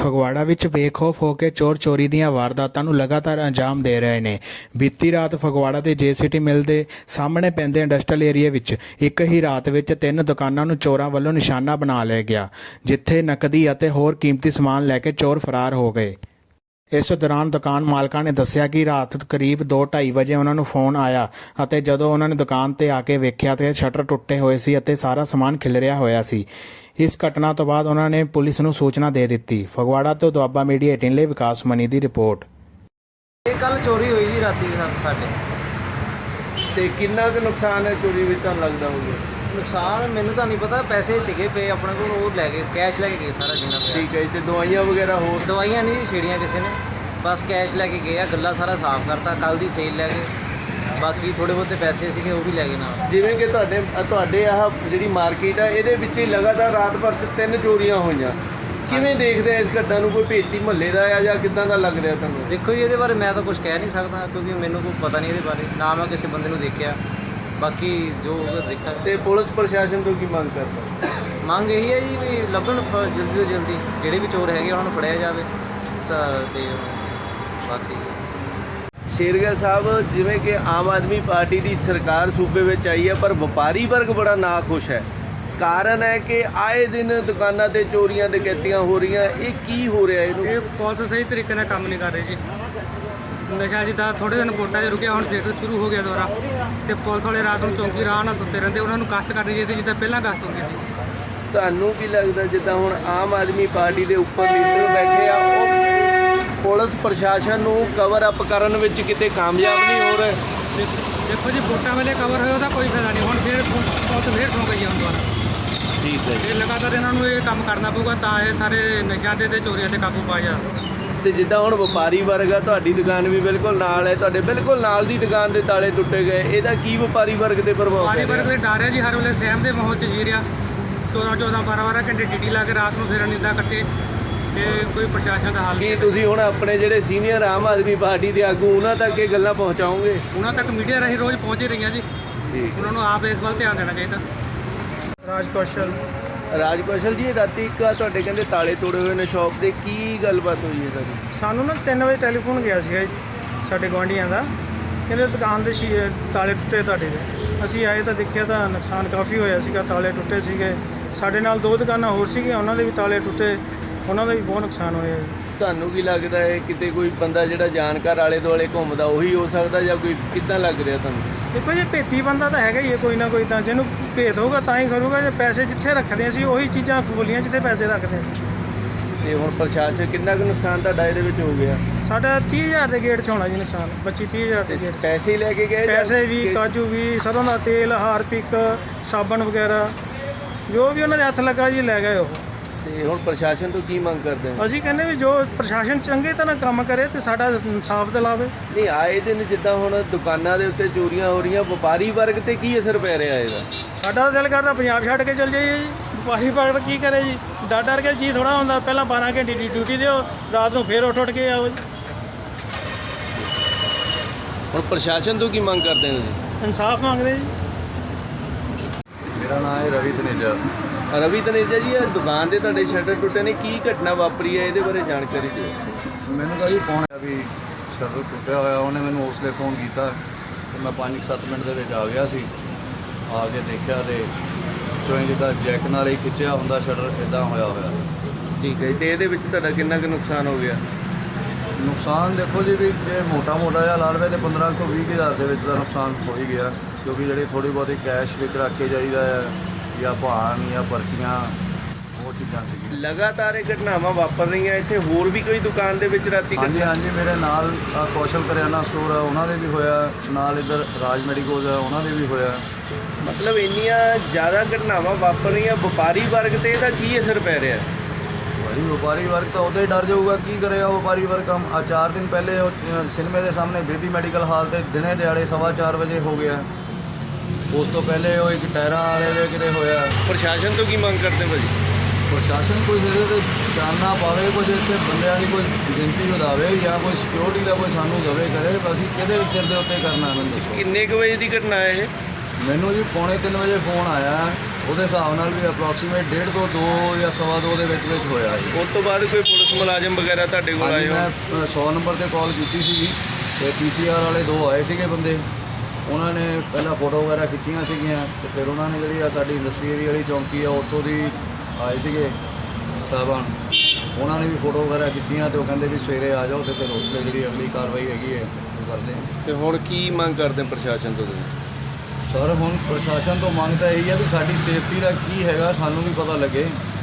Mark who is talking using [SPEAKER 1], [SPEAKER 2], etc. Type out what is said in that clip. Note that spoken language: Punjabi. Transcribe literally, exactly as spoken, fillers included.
[SPEAKER 1] ਫਗਵਾੜਾ ਵਿੱਚ ਬੇਖੌਫ ਹੋ ਕੇ ਚੋਰ ਚੋਰੀ ਦੀਆਂ ਵਾਰਦਾਤਾਂ ਨੂੰ ਲਗਾਤਾਰ ਅੰਜਾਮ ਦੇ ਰਹੇ ਨੇ। ਬੀਤੀ ਰਾਤ ਫਗਵਾੜਾ ਦੇ ਜੇਸੀਟੀ ਮਿਲ ਦੇ ਸਾਹਮਣੇ ਪੈਂਦੇ ਇੰਡਸਟਰੀਅਲ ਏਰੀਆ ਵਿੱਚ ਇੱਕ ਹੀ ਰਾਤ ਵਿੱਚ ਤਿੰਨ ਦੁਕਾਨਾਂ ਨੂੰ ਚੋਰਾਂ ਵੱਲੋਂ ਨਿਸ਼ਾਨਾ ਬਣਾ ਲਿਆ ਗਿਆ, ਜਿੱਥੇ ਨਕਦੀ ਅਤੇ ਹੋਰ ਕੀਮਤੀ ਸਮਾਨ ਲੈ ਕੇ ਚੋਰ ਫਰਾਰ ਹੋ ਗਏ। ਇਸ ਦੌਰਾਨ ਦੁਕਾਨ ਮਾਲਕਾਂ ਨੇ ਦੱਸਿਆ ਕਿ ਰਾਤ ਕਰੀਬ ਦੋ ਢਾਈ ਵਜੇ ਉਹਨਾਂ ਨੂੰ ਫੋਨ ਆਇਆ ਅਤੇ ਜਦੋਂ ਉਹਨਾਂ ਨੇ ਦੁਕਾਨ ਤੇ ਆ ਕੇ ਵੇਖਿਆ ਤੇ ਸ਼ਟਰ ਟੁੱਟੇ ਹੋਏ ਸੀ ਅਤੇ ਸਾਰਾ ਸਮਾਨ ਖਿਲਰਿਆ ਹੋਇਆ ਸੀ। ਇਸ ਘਟਨਾ ਤੋਂ ਬਾਅਦ ਉਹਨਾਂ ਨੇ ਪੁਲਿਸ ਨੂੰ ਸੂਚਨਾ ਦੇ ਦਿੱਤੀ। ਫਗਵਾੜਾ ਤੋਂ ਦੁਆਬਾ ਮੀਡੀਆ ਅਠਾਰਾਂ ਲਈ ਵਿਕਾਸ ਮਨੀ ਦੀ ਰਿਪੋਰਟ।
[SPEAKER 2] ਇਹ ਕੱਲ ਚੋਰੀ ਹੋਈ ਜੀ ਰਾਤੀ ਸਾਡੇ।
[SPEAKER 3] ਤੇ ਕਿੰਨਾ ਕੁ ਨੁਕਸਾਨ ਹੈ ਚੋਰੀ ਵਿੱਚ ਤੁਹਾਨੂੰ ਲੱਗਦਾ ਹੋਊਗਾ?
[SPEAKER 2] ਨੁਕਸਾਨ ਮੈਨੂੰ ਤਾਂ ਨਹੀਂ ਪਤਾ, ਪੈਸੇ ਸੀਗੇ ਪਏ ਆਪਣੇ ਕੋਲ, ਉਹ ਲੈ ਗਏ, ਕੈਸ਼ ਲੈ ਕੇ ਗਏ ਸਾਰਾ ਜਿੰਨਾ ਪਿਆ।
[SPEAKER 3] ਠੀਕ ਹੈ ਜੀ। ਤੇ ਦਵਾਈਆਂ ਵਗੈਰਾ ਹੋਰ?
[SPEAKER 2] ਦਵਾਈਆਂ ਨਹੀਂ ਛੇੜੀਆਂ ਕਿਸੇ ਨੇ, ਬਸ ਕੈਸ਼ ਲੈ ਕੇ ਗਏ ਆ। ਗੱਲਾ ਸਾਰਾ ਸਾਫ਼ ਕਰਤਾ, ਕੱਲ ਦੀ ਸੇਲ ਲੈ ਗਏ, ਬਾਕੀ ਥੋੜੇ ਬਹੁਤੇ ਪੈਸੇ ਸੀਗੇ ਉਹ ਵੀ ਲੈ ਗਏ ਨਾਲ।
[SPEAKER 3] ਜਿਵੇਂ ਕਿ ਤੁਹਾਡੇ ਤੁਹਾਡੇ ਆਹ ਜਿਹੜੀ ਮਾਰਕੀਟ ਆ ਇਹਦੇ ਵਿੱਚ ਹੀ ਲਗਾਤਾਰ ਰਾਤ ਭਰ 'ਚ ਤਿੰਨ ਚੋਰੀਆਂ ਹੋਈਆਂ, ਕਿਵੇਂ ਦੇਖਦੇ ਆ ਇਸ ਘਟਨਾ ਨੂੰ? ਕੋਈ ਭੇਤੀ ਮਹੱਲੇ ਦਾ ਆ ਜਾਂ ਕਿੱਦਾਂ ਦਾ ਲੱਗ ਰਿਹਾ ਤੁਹਾਨੂੰ?
[SPEAKER 2] ਦੇਖੋ ਜੀ, ਇਹਦੇ ਬਾਰੇ ਮੈਂ ਤਾਂ ਕੁਝ ਕਹਿ ਨਹੀਂ ਸਕਦਾ ਕਿਉਂਕਿ ਮੈਨੂੰ ਕੋਈ ਪਤਾ ਨਹੀਂ ਇਹਦੇ ਬਾਰੇ, ਨਾ ਮੈਂ ਕਿਸੇ ਬੰਦੇ ਨੂੰ ਦੇਖਿਆ, ਬਾਕੀ ਜੋ ਦੇਖਿਆ।
[SPEAKER 3] ਤੇ ਪੁਲਿਸ ਪ੍ਰਸ਼ਾਸਨ ਤੋਂ ਕੀ ਮੰਗ ਕਰਦਾ?
[SPEAKER 2] ਮੰਗ ਇਹੀ ਹੈ ਜੀ ਵੀ ਲੱਭਣ ਜਲਦੀ ਤੋਂ ਜਲਦੀ ਜਿਹੜੇ ਵੀ ਚੋਰ ਹੈਗੇ ਉਹਨਾਂ ਨੂੰ ਫੜਿਆ ਜਾਵੇ ਤੇ ਬਸ ਇਹ।
[SPEAKER 3] ਸ਼ੇਰਗਿੱਲ ਸਾਹਿਬ, ਜਿਵੇਂ ਕਿ ਆਮ ਆਦਮੀ ਪਾਰਟੀ ਦੀ ਸਰਕਾਰ ਸੂਬੇ ਵਿੱਚ ਆਈ ਹੈ ਪਰ ਵਪਾਰੀ ਵਰਗ ਬੜਾ ਨਾਖੁਸ਼ ਹੈ। ਕਾਰਨ ਹੈ ਕਿ ਆਏ ਦਿਨ ਦੁਕਾਨਾਂ ਤੇ ਚੋਰੀਆਂ ਡਕੈਤੀਆਂ ਹੋ ਰਹੀਆਂ, ਇਹ ਕੀ ਹੋ ਰਿਹਾ ਇਹਨੂੰ?
[SPEAKER 4] ਇਹ ਪੁਲਿਸ ਸਹੀ ਤਰੀਕੇ ਨਾਲ ਕੰਮ ਨਹੀਂ ਕਰ ਰਹੀ ਜੀ। ਨਸ਼ਾ ਜਿੱਦਾਂ ਥੋੜ੍ਹੇ ਦਿਨ ਵੋਟਾਂ 'ਚ ਰੁਕਿਆ, ਹੁਣ ਫਿਰ ਸ਼ੁਰੂ ਹੋ ਗਿਆ ਦੁਬਾਰਾ, ਤੇ ਪੁਲਿਸ ਵਾਲੇ ਰਾਤ ਨੂੰ ਚੌਂਕੀ ਰਾਹ ਨਾਲ ਸੁੱਤੇ ਰਹਿੰਦੇ, ਉਹਨਾਂ ਨੂੰ ਗਸ਼ਤ ਕਰਨੀ ਚਾਹੀਦੀ ਜਿੱਦਾਂ ਪਹਿਲਾਂ ਗਸ਼ਤ ਹੁੰਦੀ ਸੀ।
[SPEAKER 3] ਤੁਹਾਨੂੰ ਕੀ ਲੱਗਦਾ ਜਿੱਦਾਂ ਹੁਣ ਆਮ ਆਦਮੀ ਪਾਰਟੀ ਦੇ ਉੱਪਰ ਲੀਡਰ ਬੈਠੇ ਆ, ਉਹ ਪੁਲਿਸ ਪ੍ਰਸ਼ਾਸਨ ਨੂੰ ਕਵਰ ਅਪ ਕਰਨ ਵਿੱਚ ਕਿਤੇ ਕਾਮਯਾਬ ਨਹੀਂ ਹੋ ਰਹੇ?
[SPEAKER 4] ਦੇਖੋ ਜੀ, ਵੋਟਾਂ ਵੇਲੇ ਕਵਰ ਹੋਇਆ ਉਹਦਾ ਕੋਈ ਫਾਇਦਾ ਨਹੀਂ, ਹੁਣ ਫਿਰ ਪੁਲਿਸ ਫੇਰ ਸੌਂ ਗਈ ਹੁਣ ਦੁਬਾਰਾ।
[SPEAKER 3] ਠੀਕ ਹੈ।
[SPEAKER 4] ਇਹ ਲਗਾਤਾਰ ਇਹਨਾਂ ਨੂੰ ਇਹ ਕੰਮ ਕਰਨਾ ਪਊਗਾ ਤਾਂ ਇਹ ਸਾਰੇ ਨਸ਼ਿਆਂ ਦੇ ਤੇ ਚੋਰੀਆਂ 'ਤੇ ਕਾਬੂ ਪਾਇਆ ਜਾ।
[SPEAKER 3] ਤੇ ਜਿੱਦਾਂ ਹੁਣ ਵਪਾਰੀ ਵਰਗ ਆ, ਤੁਹਾਡੀ ਦੁਕਾਨ ਵੀ ਬਿਲਕੁਲ ਨਾਲ ਹੈ, ਤੁਹਾਡੇ ਬਿਲਕੁਲ ਨਾਲ ਦੀ ਦੁਕਾਨ ਦੇ ਤਾਲੇ ਟੁੱਟੇ ਗਏ, ਇਹਦਾ ਕੀ ਵਪਾਰੀ ਵਰਗ ਦੇ ਪ੍ਰਭਾਵ?
[SPEAKER 4] ਵਪਾਰੀ ਵਰਗ ਦੇ ਡਰ ਹੈ ਜੀ, ਹਰ ਵੇਲੇ ਸਹਿਮ ਦੇ ਮਾਹੌਲ 'ਚ ਜੀ ਰਿਹਾ। ਚੌਦਾਂ ਚੌਦਾਂ ਬਾਰਾਂ ਬਾਰਾਂ ਘੰਟੇ ਡਿਊਟੀ ਲਾ ਕੇ ਰਾਤ ਨੂੰ ਫਿਰ ਨਿੰਦਾ ਕੱਟੇ, ਤੇ ਕੋਈ ਪ੍ਰਸ਼ਾਸਨ ਦਾ ਹਾਲ
[SPEAKER 3] ਕੀ ਤੁਸੀਂ ਹੁਣ ਆਪਣੇ ਜਿਹੜੇ ਸੀਨੀਅਰ ਆਮ ਆਦਮੀ ਪਾਰਟੀ ਦੇ ਆਗੂ ਉਹਨਾਂ ਤੱਕ ਇਹ ਗੱਲਾਂ ਪਹੁੰਚਾਓਗੇ?
[SPEAKER 4] ਉਹਨਾਂ ਤੱਕ ਮੀਡੀਆ ਰਾਹੀਂ ਰੋਜ਼ ਪਹੁੰਚ ਹੀ ਰਹੀਆਂ ਜੀ। ਉਹਨਾਂ ਨੂੰ ਆਪ ਇਸ ਵੱਲ ਧਿਆਨ ਦੇਣਾ ਚਾਹੀਦਾ।
[SPEAKER 5] ਰਾਜ ਕੌਸ਼ਲ
[SPEAKER 3] ਰਾਜ ਕੌਸ਼ਲ ਜੀ, ਰਾਤੀ ਇੱਕ ਆ ਤੁਹਾਡੇ ਕਹਿੰਦੇ ਤਾਲੇ ਤੋੜੇ ਹੋਏ ਨੇ ਸ਼ਾਪ ਦੇ, ਕੀ ਗੱਲਬਾਤ ਹੋਈ ਹੈ ਤੁਹਾਡੀ?
[SPEAKER 5] ਸਾਨੂੰ ਨਾ ਤਿੰਨ ਵਜੇ ਟੈਲੀਫੋਨ ਗਿਆ ਸੀਗਾ ਜੀ ਸਾਡੇ ਗੁਆਂਢੀਆਂ ਦਾ, ਕਹਿੰਦੇ ਦੁਕਾਨ ਦੇ ਸ਼ੀ ਤਾਲੇ ਟੁੱਟੇ ਤੁਹਾਡੇ ਦੇ। ਅਸੀਂ ਆਏ ਤਾਂ ਦੇਖਿਆ ਤਾਂ ਨੁਕਸਾਨ ਕਾਫੀ ਹੋਇਆ ਸੀਗਾ, ਤਾਲੇ ਟੁੱਟੇ ਸੀਗੇ। ਸਾਡੇ ਨਾਲ ਦੋ ਦੁਕਾਨਾਂ ਹੋਰ ਸੀਗੀਆਂ, ਉਹਨਾਂ ਦੇ ਵੀ ਤਾਲੇ ਟੁੱਟੇ, ਉਹਨਾਂ ਦਾ ਵੀ ਬਹੁਤ ਨੁਕਸਾਨ ਹੋਇਆ ਜੀ।
[SPEAKER 3] ਤੁਹਾਨੂੰ ਕੀ ਲੱਗਦਾ ਹੈ ਕਿਤੇ ਕੋਈ ਬੰਦਾ ਜਿਹੜਾ ਜਾਣਕਾਰ ਆਲੇ ਦੁਆਲੇ ਘੁੰਮਦਾ ਉਹੀ ਹੋ ਸਕਦਾ ਜਾਂ ਕੋਈ ਕਿੱਦਾਂ ਲੱਗ ਰਿਹਾ ਤੁਹਾਨੂੰ?
[SPEAKER 5] ਦੇਖੋ ਜੀ, ਭੇਤੀ ਬੰਦਾ ਤਾਂ ਹੈਗਾ ਹੀ ਹੈ ਕੋਈ ਨਾ ਕੋਈ, ਤਾਂ ਜਿਹਨੂੰ ਭੇਤ ਹੋਊਗਾ ਤਾਂ ਹੀ ਕਰੂਗਾ। ਜੇ ਪੈਸੇ ਜਿੱਥੇ ਰੱਖਦੇ ਸੀ ਉਹੀ ਚੀਜ਼ਾਂ ਖੋਲੀਆਂ ਜਿੱਥੇ ਪੈਸੇ ਰੱਖਦੇ ਸੀ।
[SPEAKER 3] ਤੇ ਹੁਣ ਪ੍ਰਸ਼ਾਸਨ ਕਿੰਨਾ ਕੁ ਨੁਕਸਾਨ ਤੁਹਾਡਾ ਇਹਦੇ ਵਿੱਚ ਹੋ ਗਿਆ?
[SPEAKER 5] ਸਾਡਾ ਤੀਹ ਹਜ਼ਾਰ ਦੇ ਗੇਟ 'ਚ ਹੋਣਾ ਜੀ ਨੁਕਸਾਨ, ਪੱਚੀ ਤੀਹ ਹਜ਼ਾਰ ਦੇ
[SPEAKER 3] ਤੇ
[SPEAKER 5] ਗੇਟ 'ਚ।
[SPEAKER 3] ਪੈਸੇ ਲੈ ਕੇ ਗਏ ਜਾਂ
[SPEAKER 5] ਪੈਸੇ ਵੀ,
[SPEAKER 3] ਕਿਸ-
[SPEAKER 5] ਕਾਜੂ ਵੀ, ਸਰੋਂ ਦਾ ਤੇਲ, ਹਾਰਪਿਕ, ਸਾਬਣ ਵਗੈਰਾ ਜੋ ਵੀ ਉਹਨਾਂ ਦੇ ਹੱਥ ਲੱਗਾ ਜੀ ਲੈ ਗਏ ਉਹ।
[SPEAKER 3] ਤੇ ਹੁਣ ਪ੍ਰਸ਼ਾਸਨ ਤੋਂ ਕੀ ਮੰਗ ਕਰਦੇ ਹੋ?
[SPEAKER 5] ਅਸੀਂ ਕਹਿੰਦੇ ਵੀ ਜੋ ਪ੍ਰਸ਼ਾਸਨ ਚੰਗੇ ਤਰ੍ਹਾਂ ਕੰਮ ਕਰੇ ਤੇ ਸਾਡਾ ਇਨਸਾਫ ਦਿਲਾਵੇ।
[SPEAKER 3] ਨਹੀਂ, ਆਏ ਦਿਨ ਜਿੱਦਾਂ ਹੁਣ ਦੁਕਾਨਾਂ ਦੇ ਉੱਤੇ ਚੋਰੀਆਂ ਹੋ ਰਹੀਆਂ, ਵਪਾਰੀ ਵਰਗ ਤੇ ਕੀ ਅਸਰ ਪੈ ਰਿਹਾ ਇਹਦਾ?
[SPEAKER 5] ਸਾਡਾ ਦਿਲ ਕਰਦਾ ਪੰਜਾਬ ਛੱਡ ਕੇ ਚਲ ਜਾਈਏ ਜੀ। ਵਪਾਰੀ ਵਰਗ ਕੀ ਕਰੇ ਜੀ, ਡਰ ਡਰ ਕੇ ਜੀ ਥੋੜ੍ਹਾ ਹੁੰਦਾ। ਪਹਿਲਾਂ ਬਾਰਾਂ ਘੰਟੇ ਦੀ ਡਿਊਟੀ ਦਿਓ, ਰਾਤ ਨੂੰ ਫੇਰ ਉੱਠ ਉੱਠ ਕੇ ਆਓ ਜੀ।
[SPEAKER 3] ਹੁਣ ਪ੍ਰਸ਼ਾਸਨ ਤੋਂ ਕੀ ਮੰਗ ਕਰਦੇ ਨੇ ਤੁਸੀਂ?
[SPEAKER 5] ਇਨਸਾਫ ਮੰਗਦੇ ਜੀ।
[SPEAKER 6] ਮੇਰਾ ਨਾਮ ਹੈ ਰਵੀ ਤਨੇਜਾ।
[SPEAKER 3] ਰਵੀ ਤਨੇਜਾ ਜੀ, ਇਹ ਦੁਕਾਨ ਦੇ ਤੁਹਾਡੇ ਸ਼ਟਰ ਟੁੱਟੇ ਨੇ, ਕੀ ਘਟਨਾ ਵਾਪਰੀ ਹੈ ਇਹਦੇ ਬਾਰੇ ਜਾਣਕਾਰੀ ਦਿਓ।
[SPEAKER 6] ਮੈਨੂੰ ਤਾਂ ਜੀ ਫੋਨ ਆਇਆ ਵੀ ਸ਼ਟਰ ਟੁੱਟਿਆ ਹੋਇਆ, ਉਹਨੇ ਮੈਨੂੰ ਉਸ ਲਈ ਫੋਨ ਕੀਤਾ ਤੇ ਮੈਂ ਪੰਜ ਸੱਤ ਮਿੰਟ ਦੇ ਵਿੱਚ ਆ ਗਿਆ ਸੀ। ਆ ਕੇ ਦੇਖਿਆ ਤੇ ਚੋਂ ਜਿੱਦਾਂ ਜੈਕ ਨਾਲ ਹੀ ਖਿੱਚਿਆ ਹੁੰਦਾ ਸ਼ਟਰ, ਇੱਦਾਂ ਹੋਇਆ ਹੋਇਆ।
[SPEAKER 3] ਠੀਕ ਹੈ ਜੀ। ਤੇ ਇਹਦੇ ਵਿੱਚ ਤੁਹਾਡਾ ਕਿੰਨਾ ਕੁ ਨੁਕਸਾਨ ਹੋ ਗਿਆ?
[SPEAKER 6] ਨੁਕਸਾਨ ਦੇਖੋ ਜੀ, ਵੀ ਜੇ ਮੋਟਾ ਮੋਟਾ ਜਿਹਾ ਲਾ ਲਵੇ ਤੇ ਪੰਦਰਾਂ ਤੋਂ ਵੀਹ ਹਜ਼ਾਰ ਦੇ ਵਿੱਚ ਦਾ ਨੁਕਸਾਨ ਹੋ ਹੀ ਗਿਆ, ਕਿਉਂਕਿ ਜਿਹੜੀ ਥੋੜ੍ਹੀ ਬਹੁਤੀ ਕੈਸ਼ ਵਿੱਚ ਰੱਖ ਕੇ ਜਾਈਦਾ ਹੈ ਜਾਂ ਭਾਣ ਜਾਂ ਪਰਚੀਆਂ, ਉਹ ਚੀਜ਼ਾਂ ਸੀ।
[SPEAKER 3] ਲਗਾਤਾਰ ਇਹ ਘਟਨਾਵਾਂ ਵਾਪਰ ਰਹੀਆਂ ਇੱਥੇ, ਹੋਰ ਵੀ ਕੋਈ ਦੁਕਾਨ ਦੇ ਵਿੱਚ ਰਾਤੀ?
[SPEAKER 6] ਹਾਂਜੀ ਹਾਂਜੀ, ਮੇਰੇ ਨਾਲ ਆਹ ਕੌਸ਼ਲ ਕਰਿਆਨਾ ਸਟੋਰ ਆ, ਉਹਨਾਂ ਦੇ ਵੀ ਹੋਇਆ, ਨਾਲ ਇੱਧਰ ਰਾਜ ਮੈਡੀਕੋਜ਼ ਆ, ਉਹਨਾਂ ਦੇ ਵੀ ਹੋਇਆ।
[SPEAKER 3] ਮਤਲਬ ਇੰਨੀਆਂ ਜ਼ਿਆਦਾ ਘਟਨਾਵਾਂ ਵਾਪਰ ਰਹੀਆਂ, ਵਪਾਰੀ ਵਰਗ ਤੇ ਇਹਦਾ ਕੀ ਅਸਰ ਪੈ ਰਿਹਾ?
[SPEAKER 6] ਭਾਈ ਵਪਾਰੀ ਵਰਗ ਤਾਂ ਉਦੋਂ ਹੀ ਡਰ ਜਾਊਗਾ, ਕੀ ਕਰੇਗਾ ਵਪਾਰੀ ਵਰਗ ਕੰਮ। ਆ ਚਾਰ ਦਿਨ ਪਹਿਲੇ ਉਹ ਸਿਨੇਮੇ ਦੇ ਸਾਹਮਣੇ ਬੇਦੀ ਮੈਡੀਕਲ ਹਾਲ ਤੇ ਦਿਨੇ ਦਿਹਾੜੇ ਸਵਾ ਚਾਰ ਵਜੇ ਹੋ ਗਿਆ। ਉਸ ਤੋਂ ਪਹਿਲੇ ਉਹ ਇੱਕ ਟਾਇਰਾਂ ਵਾਲੇ ਦੇ ਕਿਤੇ ਹੋਇਆ।
[SPEAKER 3] ਪ੍ਰਸ਼ਾਸਨ ਤੋਂ ਕੀ ਮੰਗ ਕਰਦੇ ਭਾਜੀ?
[SPEAKER 6] ਪ੍ਰਸ਼ਾਸਨ ਕੋਈ ਇਹਦੇ 'ਤੇ ਚਾਨਣਾ ਪਾਵੇ, ਕੁਝ ਇੱਥੇ ਬੰਦਿਆਂ ਦੀ ਕੋਈ ਗਿਣਤੀ ਵਧਾਵੇ ਜਾਂ ਕੋਈ ਸਿਕਿਉਰਿਟੀ ਦਾ ਕੋਈ ਸਾਨੂੰ ਦਵੇ ਕਰੇ। ਅਸੀਂ ਕਿਹਦੇ ਸਿਰ ਦੇ ਉੱਤੇ ਕਰਨਾ, ਮੈਨੂੰ ਦੱਸੋ।
[SPEAKER 3] ਕਿੰਨੇ ਕੁ ਵਜੇ ਦੀ ਘਟਨਾ ਹੈ ਇਹ?
[SPEAKER 6] ਮੈਨੂੰ ਜੀ ਪੌਣੇ ਤਿੰਨ ਵਜੇ ਫੋਨ ਆਇਆ ਉਹਦੇ ਹਿਸਾਬ ਨਾਲ ਵੀ ਅਪਰੋਕਸੀਮੇਟ ਡੇਢ ਤੋਂ ਦੋ ਜਾਂ ਸਵਾ ਦੋ ਦੇ ਵਿੱਚ ਵਿੱਚ ਹੋਇਆ ਜੀ।
[SPEAKER 3] ਉਸ ਤੋਂ ਬਾਅਦ ਕੋਈ ਪੁਲਿਸ ਮੁਲਾਜ਼ਮ ਵਗੈਰਾ ਤੁਹਾਡੇ ਕੋਲ
[SPEAKER 6] ਹਾਂਜੀ,
[SPEAKER 3] ਆਏ ਹੋ?
[SPEAKER 6] ਮੈਂ ਸੌ ਨੰਬਰ ਤੇ ਕਾਲ ਕੀਤੀ ਸੀਗੀ ਤੇ ਪੀ ਸੀ ਆਰ ਵਾਲੇ ਦੋ ਆਏ ਸੀਗੇ ਬੰਦੇ। ਉਹਨਾਂ ਨੇ ਪਹਿਲਾਂ ਫੋਟੋ ਵਗੈਰਾ ਖਿੱਚੀਆਂ ਸੀਗੀਆਂ ਤੇ ਫਿਰ ਉਹਨਾਂ ਨੇ ਜਿਹੜੀ ਆ ਸਾਡੀ ਇੰਡਸਟਰੀ ਏਰੀਆ ਵਾਲੀ ਚੌਂਕੀ ਆ ਉੱਥੋਂ ਦੀ ਆਏ ਸੀਗੇ ਸਾਹਿਬਾਨ, ਉਹਨਾਂ ਨੇ ਵੀ ਫੋਟੋ ਵਗੈਰਾ ਖਿੱਚੀਆਂ ਤੇ ਉਹ ਕਹਿੰਦੇ ਵੀ ਸਵੇਰੇ ਆ ਜਾਓ ਤੇ ਫਿਰ ਉਸ ਲਈ ਜਿਹੜੀ ਅਗਲੀ ਕਾਰਵਾਈ ਹੈਗੀ ਹੈ ਉਹ ਕਰਦੇ ਹਾਂ।
[SPEAKER 3] ਤੇ ਹੁਣ ਕੀ ਮੰਗ ਕਰਦੇ ਹੋ ਪ੍ਰਸ਼ਾਸਨ ਤੋਂ ਤੁਸੀਂ?
[SPEAKER 6] ਸਰ ਹੁਣ ਪ੍ਰਸ਼ਾਸਨ ਤੋਂ ਮੰਗ ਤਾਂ ਇਹੀ ਹੈ ਵੀ ਸਾਡੀ ਸੇਫਟੀ ਦਾ ਕੀ ਹੈਗਾ ਸਾਨੂੰ ਵੀ ਪਤਾ ਲੱਗੇ।